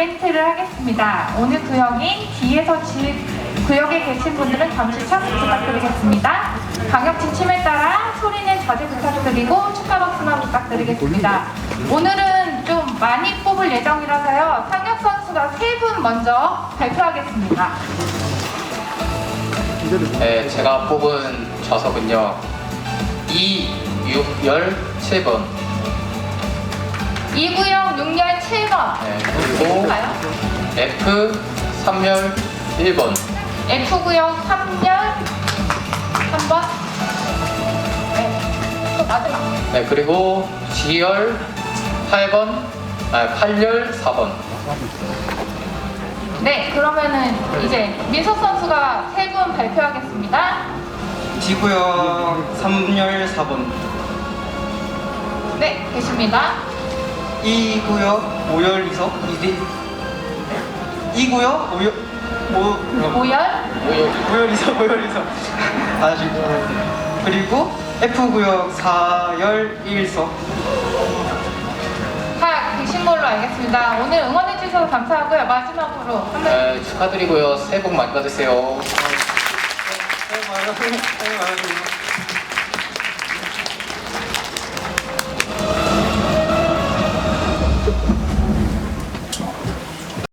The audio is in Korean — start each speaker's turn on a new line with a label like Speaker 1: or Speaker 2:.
Speaker 1: 이벤트를 하겠습니다. 오늘 구역인 D에서 구역에 계신 분들은 잠시 참석 부탁드리겠습니다. 방역 지침에 따라 소리는 자제 부탁드리고 축하 박수만 부탁드리겠습니다. 오늘은 좀 많이 뽑을 예정이라서요. 상혁 선수가 3분 먼저 발표하겠습니다.
Speaker 2: 네, 제가 뽑은 좌석은요 2,6,7번.
Speaker 1: 2구역 6열 7번.
Speaker 2: 네, 그리고 F 3열 1번.
Speaker 1: F구역 3열 3번. 네, 또 마지막.
Speaker 2: 네, 그리고 G열 8열 4번.
Speaker 1: 네, 그러면은 이제 민석 선수가 3분 발표하겠습니다.
Speaker 3: D구역 3열 4번,
Speaker 1: 네, 계십니다.
Speaker 3: 2구역 5열 2석, 2구역 5열 5열 2석. 다시. 그리고 F구역 4열 1석.
Speaker 1: 다 계신 걸로 알겠습니다. 오늘 응원해 주셔서 감사하고요. 마지막으로 한 번.
Speaker 2: 네, 축하드리고요. 새해 복 많이 받으세요.
Speaker 3: 새해 복 많이 받으세요.